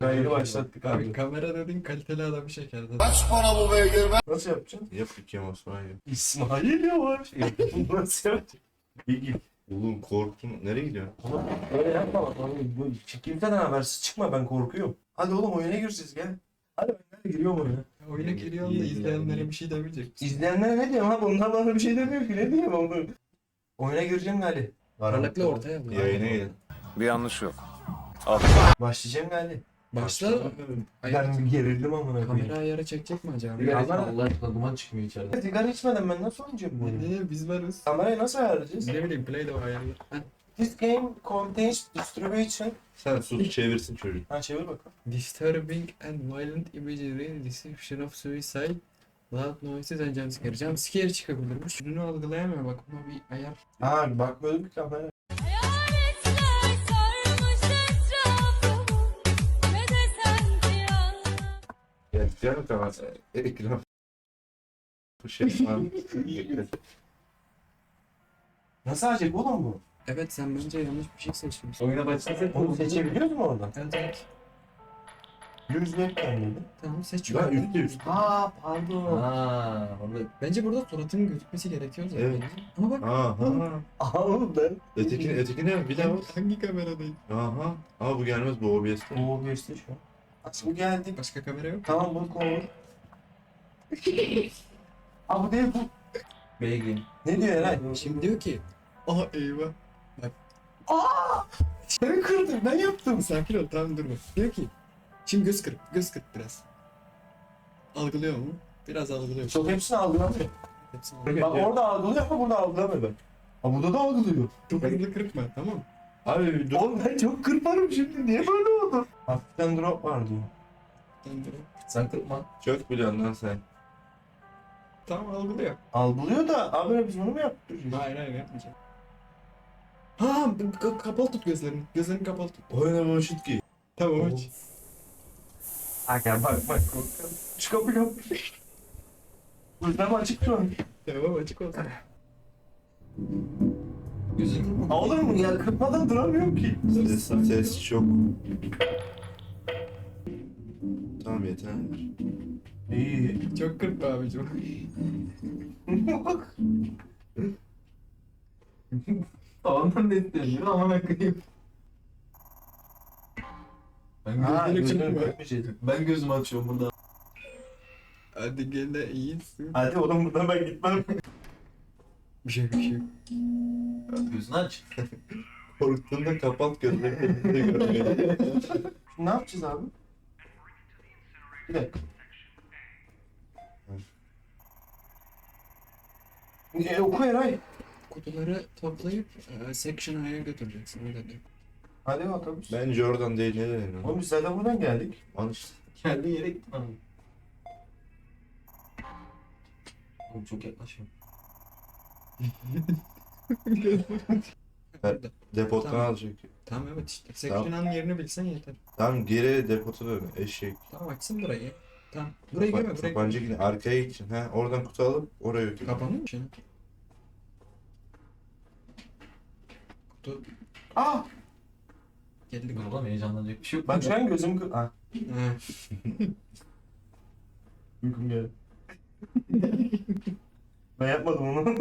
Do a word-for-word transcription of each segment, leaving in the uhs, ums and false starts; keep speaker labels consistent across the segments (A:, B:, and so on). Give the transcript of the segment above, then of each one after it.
A: Kaydı başlattık
B: Abi
A: abi.
B: kamera dedin kaliteli adamı çekerdi.
A: Kaç para bu beygir be? Nasıl yapacaksın?
C: Yap Kemal İsmail.
A: İsmail Yavaş. Nasıl yapacaksın? İyi.
C: Oğlum korktum. Nereye gidiyorsun?
A: Oğlum öyle yapma bak. Oğlum, bu kimseden habersiz çıkma, ben korkuyorum. Hadi oğlum oyuna gireceğiz gel. Hadi ben nereye giriyorum oyuna.
B: Oyuna giriyorsun da izleyenlere bir şey demeyecek.
A: İzleyenlere ne diyeyim abi? Onlar bana bir şey demiyor ki. Ne diyeyim onu? Oyuna gireceğim Gali.
B: Parlakla ortaya al.
C: Yayına gelin.
D: Bir yanlış yok.
A: Başlayacağım Gali.
B: Başla. Ay,
A: Ben bir gerildim amına koyayım.
B: kamera ayarı çekecek mi acaba?
A: Ya
E: Kamera
A: ben-
E: Allah aşkına duman çıkmıyor içeride.
A: Sigara içmeden ben nasıl oynayacağım bu oyunu?
B: Ne biz varız.
A: Kamerayı nasıl ayarlayacağız?
B: Ne bileyim play de ayarlar. Ha.
A: This game contains distribution.
C: Sen sus çevirsin çocuk.
A: Ha çevir bakalım.
B: Disturbing and violent imagery, description of suicide, loud noises and jumpscare. Jumpscare çıkabilirmiş. Ürünü algılayamıyor bak buna bir ayar.
A: Ha bakmıyordum ki kamera.
F: Hayaletler sarmış etrafımı, ne desem ziyan.
C: Ya diğer Kemal. Ekran. Bu şey var.
A: Nasıl acaba oğlum bu?
B: Evet sen bence yanlış bir şey seçmişsin.
E: Oyuna başlasak
A: Onu seçebiliyoruz mu oradan?
B: Evet evet.
A: Yüz webcam dedi.
B: Tamam seç.
C: Lan üstte üst.
A: Aa pardon.
E: Aa, orada
B: Bence burada suratının gözükmesi gerekiyor zaten.
C: Evet.
B: Ama bak
C: Aha.
A: Aa oğlum ben.
C: Ötekine ötekine bir daha bak.
B: hangi kameradayım?
C: Aha. Ama bu gelmez bu O B S'te.
A: Oo geçti şu an. Aç bu geldik.
B: Başka kamera yok.
A: Tamam bu konu. Aa bu değil bu.
E: beygir.
A: Ne diyor Eray?
B: Şimdi diyor ki aha eyvah.
A: Ben kırdım, ben yaptım.
B: Sakin ol tamam durma. Diyor ki şimdi göz kırp göz kırp biraz. Algılıyor mu? Biraz algılıyor.
A: Çok hepsini algılamıyor.
B: Hepsini algılıyor.
A: Bak orada algılıyor ama burada algılamıyor ben. Ha burada da algılıyor.
B: Çok hızlı kırpma tamam mı?
C: Abi dur.
A: Oğlum ben çok kırparım şimdi. Niye böyle oldu? Hafiften drop var diyor.
B: Tamam, dur.
E: Sen kırpma.
C: Çok biliyorsun lan sen.
B: Tamam algılıyor.
A: Algılıyor da abi biz bunu mu yaptık?
B: Hayır hayır yapmayacağım. Ha k- kapalı tut gözlerini. Gözlerini kapalı tut.
C: Oyna boşut ki.
B: Tamam aç.
A: Aga bak bak korkuyorum. Şu kapı kapı. Gözlerim açık şu an.
B: Tamam açık olsun.
E: Gözünü kırpma.
A: Aa, olur mu ya? Kırpmadan duramıyorum ki.
C: Ses, ses çok. Tamam yeter.
A: İyi.
B: Çok kırpma abicim.
A: Bak.
E: Tavandan net deniyor ama koyayım. Ben
A: Ha,
E: gözümü
A: gözlerim
E: kırpma.
A: kırpmayacak.
E: Ben gözümü açıyorum burada.
B: Hadi gene iyisin.
A: Hadi oğlum buradan ben gitmem.
B: Bir şey bir şey.
E: Gözünü aç.
C: Korktuğunda kapat gözlerini de görmüyor.
A: Ne yapacağız abi? Bir dakika. E, oku Eray.
B: Kutuları toplayıp e, section A'ya götüreceksin öyle diyor.
A: Hadi otobüs.
C: Bence oradan değil ne denir?
A: Oğlum biz zaten buradan geldik.
C: Lan işte.
E: Geldiğin yere gittin abi. Oğlum çok yaklaşma.
C: Evet. Depodan
B: Tamam.
C: alacak.
B: Tamam evet işte. Section A'nın yerini bilsen yeter.
C: Tamam geri depota dön eşek.
B: Tamam açsın burayı. Tamam. Buraya girme buraya.
C: Tabanca yine arkaya gideceksin. Ha oradan kutu alıp oraya götür.
B: Kapanıyor mu şimdi? Kutu
A: Aa!
B: geldi.
E: Dur oğlum heyecanlanacak bir şey yok.
A: Bak şu an gözüm kır... Ah.
B: Ha.
A: Uykum geldi. Ben yapmadım onu.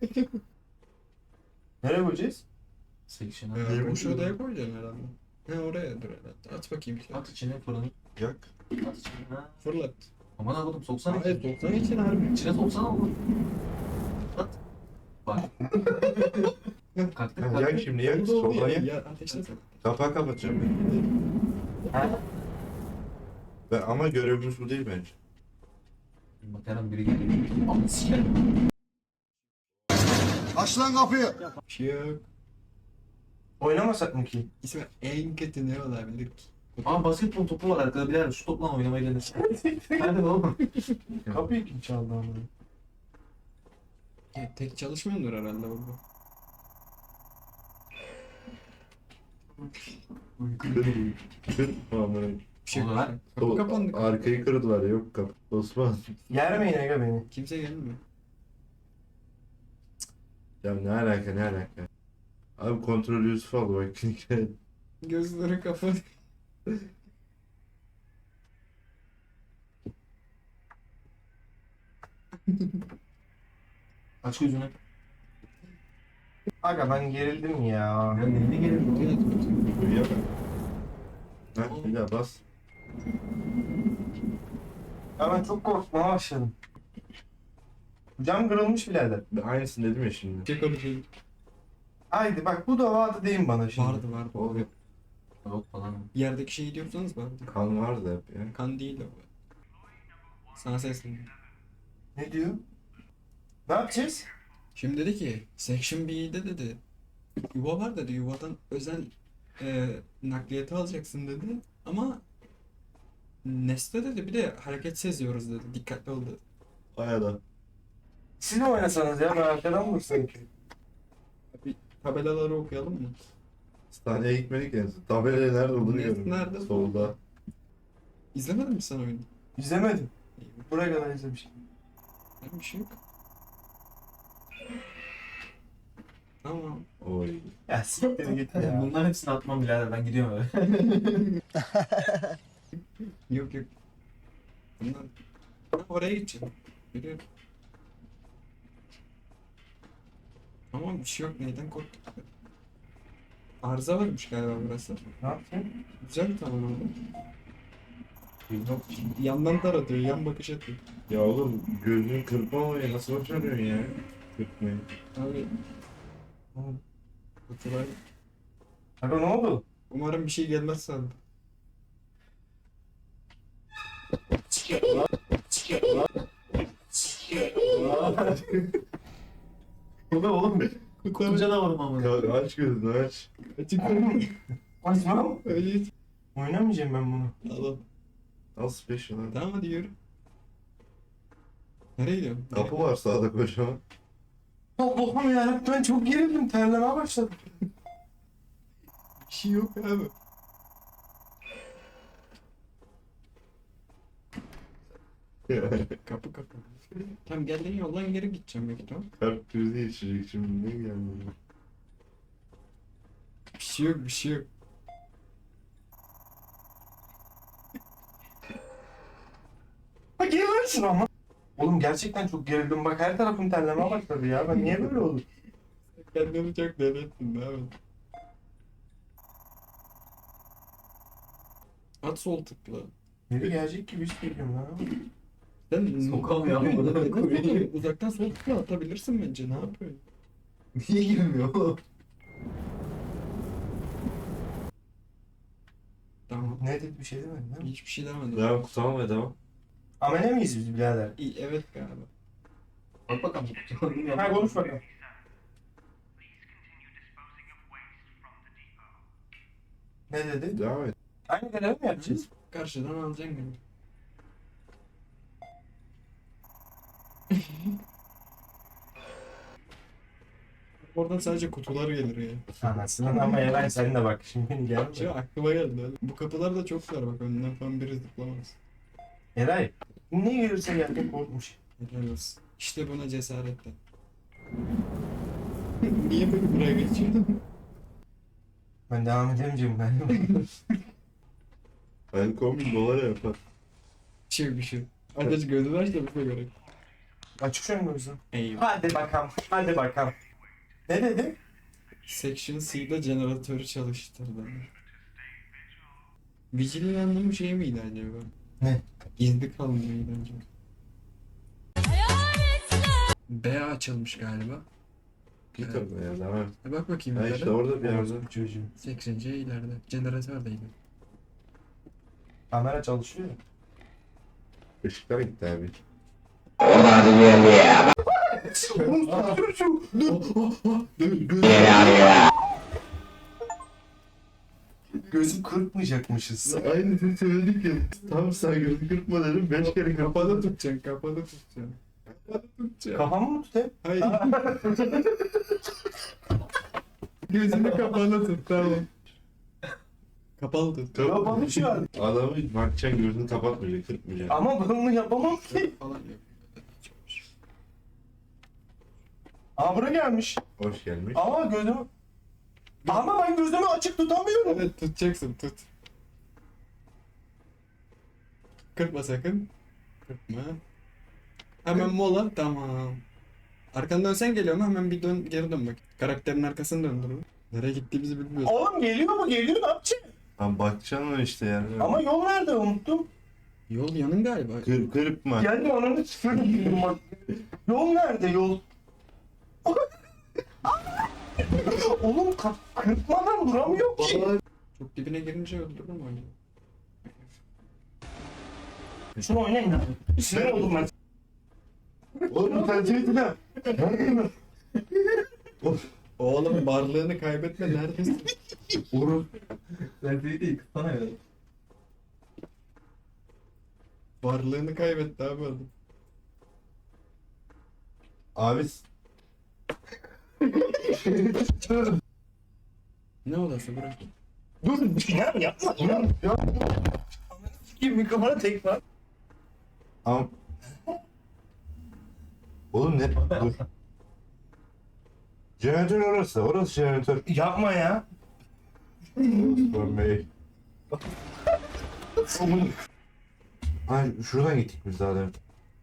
A: Nereye koyacağız?
E: Section'a.
B: Ee, boş odaya koyacaksın herhalde. Ha oraya dur herhalde. At bakayım.
E: At içine fırını.
C: Yak.
E: At içine. Ha.
B: Fırlat.
E: Aman abi oğlum soksana.
B: Hayır doksan için harbi.
E: İçine soksana oğlum. At. Bak. Kalktı
C: Ha, yak
E: kalktı.
C: şimdi yak.
B: Oldu, oldu
C: Soldan
B: ya.
C: yak.
B: Ya ateşlesene.
C: Kapağı kapatacağım ben.
A: Ha?
C: Ben ama görevimiz bu değil bence.
E: Bak her an biri geliyor. Ama sikerim.
D: Aç lan kapıyı.
B: Bir şey yok.
A: Oynamasak mı ki?
B: İsmi en kötü ne olabilir ki?
E: Aa basketbol topu var arkada birader. Şu topla oynamayı denesin. Hadi oğlum.
A: Kapıyı kim çaldı ama?
B: Ya, tek çalışmıyordur herhalde burada.
C: Kır. Aman.
B: Bir şey
E: Olur
B: yok.
E: lan.
B: Kapı kapandı.
C: Arkayı kırdılar yok kapı. Osman.
A: Yermeyin Ege beni.
B: Kimse gelmiyor.
C: Ya ne alaka ne alaka. Abi kontrol Yusuf aldı bak.
B: Gözleri kapalı.
E: Aç gözünü.
A: Aga ben gerildim ya.
E: Ben elini gelirim.
C: Uyuyor mu? Ha, bir daha bas.
A: Ya ben çok korkmaya başladım. Cam kırılmış birader.
C: Ben aynısını dedim ya şimdi.
B: Şey konuşayım.
A: Haydi bak bu da vardı deyin bana şimdi.
B: Vardı vardı.
C: O hep
E: Yok falan.
B: Yerdeki şeyi diyorsanız vardı.
C: kan vardı hep ya.
B: Kan değil o. Sana sesleniyorum.
A: Ne diyor? Ne yapacağız?
B: Şimdi dedi ki Section B'de dedi yuva var dedi, yuvadan özel e, nakliyeti alacaksın dedi ama Nesne dedi bir de hareket seziyoruz dedi, dikkatli ol dedi.
C: Hayada.
A: Siz mi oynasanız ya? Ben arkadan mı sanki?
B: Bir tabelaları okuyalım mı?
C: Hastaneye gitmedik ya. Tabelaya nerede olduğunu
B: Ne-
C: görüyorum.
B: nerede?
C: Solda.
B: İzlemedin mi sen oyunu?
A: İzlemedim.
B: İyi,
A: Buraya kadar izlemişim.
B: ben bir şey yok. Tamam.
C: Oy.
A: Ya siktir git ya.
E: Bunların hepsini atmam birader. Ben gidiyorum eve.
B: Yok yok. Bundan ben oraya gideceğim. Biliyorum. Ama bir şey yok. Neyden korktuk? Arıza varmış galiba burası.
A: Ne yaptın?
B: Güzel bir tavan oldu. Yandan taratıyor, yan bakış atıyor.
C: Ya oğlum gözünü kırpmamayı nasıl başarıyorsun ya? Kırpmayı.
B: Abi Kutular.
A: Aga ne oldu?
B: Umarım bir şey gelmez sandım.
E: Bu ne oğlum? Kutu canavarım ama.
C: Ka- aç gözünü aç.
A: Açmam.
B: Öyle
A: Oynamayacağım ben bunu.
B: Tamam.
C: Al special hadi.
B: Tamam hadi yürü. Nereye gidiyorsun?
C: Kapı var sağda kocaman.
A: Allah'ım yarabbim ben çok gerildim. Terlemeye başladım.
B: Bir şey yok abi. Kapı kapı. Tamam geldiğin yoldan geri gideceğim belki tamam.
C: Kalp krizi geçirecek şimdi ne geldi?
B: Bir şey yok bir şey yok.
A: Ha gerilirsin ama. Oğlum gerçekten çok gerildim. Bak her tarafım terlemeye başladı ya. Ben niye böyle olur?
B: Kendini çok deli ettin abi. At sol tıkla.
A: Biri gelecek gibi hissediyorum lan.
B: Sen
E: Sokamıyor ama bunu da koyayım.
B: Uzaktan sol tıkla atabilirsin bence ne yapıyorsun?
E: Niye girmiyor oğlum?
B: Tamam.
A: Ne dedi bir şey demedin değil mi?
B: Hiçbir şey demedim.
C: Devam tamam ve devam.
A: Amele miyiz biz birader?
B: İyi, evet galiba.
E: Bak bakalım.
A: Ha konuş bakalım. Ne dedi?
C: Devam et.
A: Aynı görevi mi yapacağız?
B: Karşıdan alacaksın gibi. Oradan sadece kutular gelir ya.
A: Anasının ama Eren sen de bak şimdi gelmiş.
B: Şey aklıma geldi. Bu kapılar da çok dar bak önünden falan biri zıplamaz.
A: Eray ne gelirse geldi korkmuş.
B: Helal olsun. İşte buna cesaretle. Niye böyle buraya geçiyordun?
A: Ben devam edemeyeceğim galiba.
C: Ben komik dolara yapar.
B: Bir şey yok, bir şey yok. Hadi aç gözünü aç da bize göre.
A: Açık şu an gözüm.
B: Eyvah.
A: Hadi bakalım. Hadi bakalım. Ne dedi?
B: Section C'de jeneratörü çalıştırdı. Vigil'in anlamı şey miydi acaba?
A: Ne?
B: Gizli kalmaydı acaba?
F: Hayaletler
B: B açılmış galiba.
C: Git
B: Evet.
C: orada ya devam et.
B: E bak bakayım
C: Ha
B: yukarı.
C: işte orada bir yerde.
A: Bu çocuğum.
B: Section C ileride. Jeneratördeydi.
A: Kamera çalışıyor. ya.
C: Işıklar gitti abi.
A: Oğlum çocuğum. Gözü kırpmayacakmışız.
C: Aynısını söyledik ya. Tam sen gözünü kırpma dedim. Beş kere
B: Kapalı
C: kapalı.
B: tutacaksın, kapalı tutacaksın. Kapalı tutacaksın.
A: Kafamı mı tutayım?
B: Hayır. Gözünü kapalı tut tamam. Kapalı tut.
A: Kapalı şu an.
C: Adamı bakacaksın gözünü kapatmayacak, kırpmayacak.
A: Ama ben bunu yapamam ki.
B: Falan yok.
A: Aa buraya gelmiş.
C: Hoş gelmiş.
A: Ama gözümü... Ama ben gözümü açık tutamıyorum.
B: Evet tutacaksın tut. Kırpma sakın. Kırpma. Hemen mola. Tamam. Arkandan dönsen geliyor mu? Hemen bir dön geri dön bak. Karakterin arkasını döndür. Nereye gittiğimizi bilmiyoruz.
A: Oğlum geliyor mu? Geliyor ne yapacaksın?
C: Lan bakacaksın işte yani.
A: Ama yol nerede unuttum.
B: Yol yanın galiba.
C: Kır, kırık mı?
A: Geldi ananı sıfırdım bak. Yol nerede yol? Oğlum ka- kırpmadan duramıyor ki.
B: Çok dibine girince öldürürüm oyunu.
A: Şunu oynayın abi. Sinir oldum ben.
C: Oğlum sen çektin ha.
B: Oğlum varlığını kaybetme neredesin?
C: Vurur.
E: Ben seni değil kıtsana ya.
B: Varlığını kaybetti abi adam.
C: Abi.
B: Ne odası bırak.
A: Dur İnan yapma İnan. Ya. Kim mikrofona tek var.
C: Am. Oğlum ne? Dur. Jeneratör orası. Orası jeneratör.
A: Yapma ya.
C: Osman Bey. Ay şuradan gittik biz daha demin.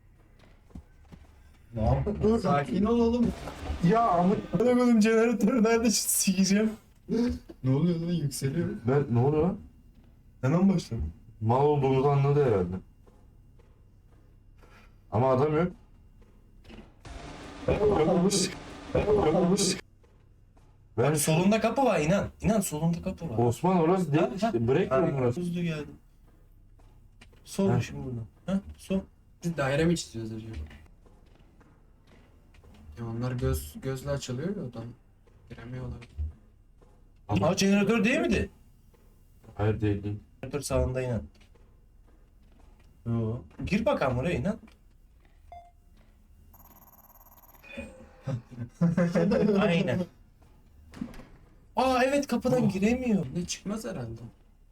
E: Ne yaptın?
B: Sakin ol oğlum.
A: Ya ama oğlum jeneratörü nerede sikeceğim?
B: Ne oluyor lan yükseliyor.
C: Ben ne oluyor lan?
A: Hemen başladım.
C: Mal olduğumuzu anladı herhalde. Ama adam yok.
A: Yokmuş. Yokmuş.
C: Ben
A: Bak solunda kapı var inan. İnan solunda kapı var.
C: Osman orası değil
A: Ha,
C: işte. Break room orası.
A: Hızlı geldi. Sol
C: Ha.
A: şimdi buradan. Ha sol.
B: Biz daire mi çiziyoruz acaba? Ya onlar göz gözle açılıyor ya odan. Giremiyorlar.
A: Aa jeneratör değil miydi?
C: Hayır değil değil.
A: Jeneratör sağında inan. Yo. Gir bakalım oraya inan. Aynen. Aa evet kapıdan giremiyor.
B: Ne çıkmaz herhalde.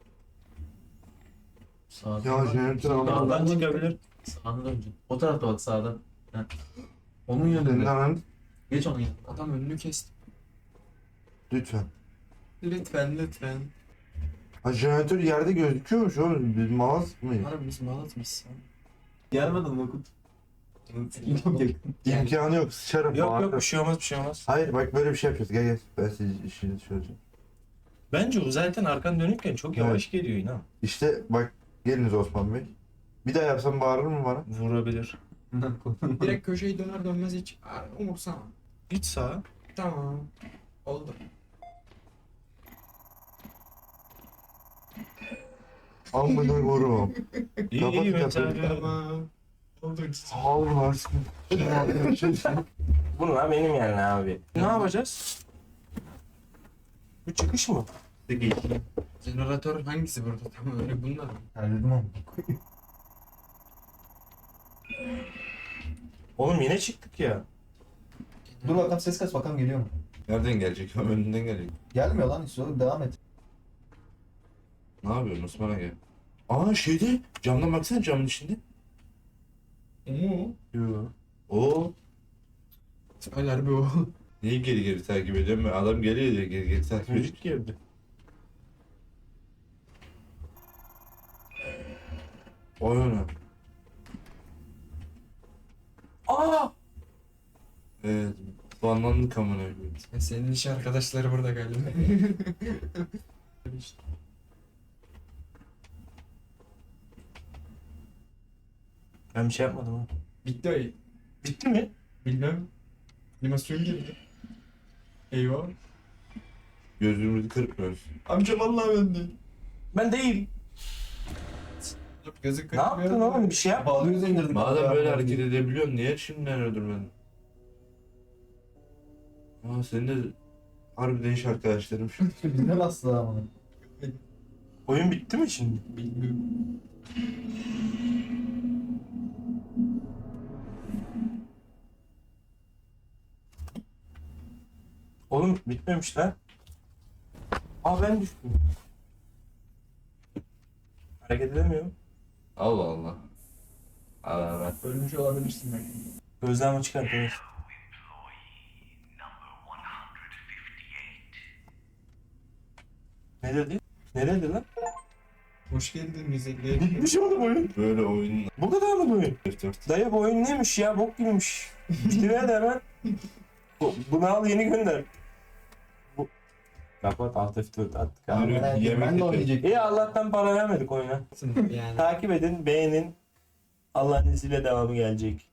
E: Sağdan
C: Ya
E: bak.
C: jeneratör aldım.
A: Sağdan çıkabilir.
E: Sağdan önce. O tarafta bak sağdan. Heh. Onun
C: Senin
E: yönünde.
C: hemen
E: Geç onun yanına.
B: Adam önünü kesti.
C: lütfen.
B: Lütfen lütfen.
C: Ha jeneratör yerde gözüküyormuş oğlum. Biz malaz mıyız?
B: Harbi biz malat mıyız?
E: Gelmedin mi Okut? Çok yakın.
C: İmkanı yok. Sıçarım.
A: Yok yok
C: bağırırım.
A: bir şey olmaz bir şey olmaz.
C: Hayır bak böyle bir şey yapıyoruz. Gel gel. Ben size işini söyleyeceğim.
A: Bence o zaten arkan dönükken çok yavaş geliyor inan.
C: İşte bak geliniz Osman Bey. Bir daha yapsam bağırır mı bana?
A: Vurabilir.
B: Direkt köşeyi döner dönmez hiç Aa, umursama.
A: Git sağa.
B: Tamam. Oldu.
C: Amına vururum.
A: İyi
C: Kapat
A: iyi
C: kapıyı.
A: mesela.
B: Tamam. Oldu.
C: Allah aşkına.
A: Bunlar benim yani abi. Ne yapacağız? Bu çıkış mı?
B: Jeneratör hangisi burada? Tamam öyle bunlar mı?
E: Halledim ama.
A: Oğlum yine çıktık ya.
E: Dur bakalım ses kaç bakalım geliyor mu?
C: Nereden gelecek? Önünden gelecek.
E: Gelmiyor lan hiç oğlum devam et.
C: Ne yapıyorsun Osman'a gel. Aa şeyde camdan baksana camın içinde.
B: Oo.
C: Yok. Oo.
B: Öyle bir o.
C: Niye geri geri takip ediyorum ben? Adam geliyor diye geri geri takip ediyor.
A: Müzik girdi.
C: Oyuna.
A: Aa!
C: Evet. Banlandık amına koyayım.
B: Senin iş arkadaşları burada galiba.
A: Ben bir şey yapmadım ha.
B: Bitti o.
A: Bitti mi?
B: Bilmem. Animasyon girdi. Eyvah.
C: Gözümüzü kırpmıyoruz.
B: Amca vallahi ben değil.
A: Ben değil.
B: Gözü
A: Ne
B: kırpmıyor.
A: yaptın oğlum? Bir şey yap.
E: Bağlıyoruz indirdik.
C: Madem böyle hareket edebiliyorsun niye şimdiden öldürmedin? Aa senin de harbiden iş arkadaşlarım şu.
E: Bizde bastı ama.
A: Oyun bitti mi şimdi?
B: Bilmiyorum.
A: Oğlum bitmemiş lan. Aa ben düştüm. Hareket edemiyorum.
C: Allah Allah. Allah Allah.
B: Ölmüş olabilirsin belki.
A: Gözlerimi çıkartıyoruz. Ne dedi? Ne dedi lan?
B: Hoş geldin müzikle.
A: Bitmiş oğlum oyun.
C: Böyle oyun
A: Bu kadar mı bu oyun?
C: F dört.
A: Dayı bu oyun neymiş ya? Bok gibiymiş. Bitiriver de hemen. Bu- Bunu al yeni gönder. Bu... Kapat alt F dört attık abi.
C: Yürü,
E: Ben,
C: yemek
E: ben de
C: yedim.
E: oynayacaktım.
A: İyi Allah'tan para vermedik oyuna.
B: Yani.
A: Takip edin, beğenin. Allah'ın izniyle devamı gelecek.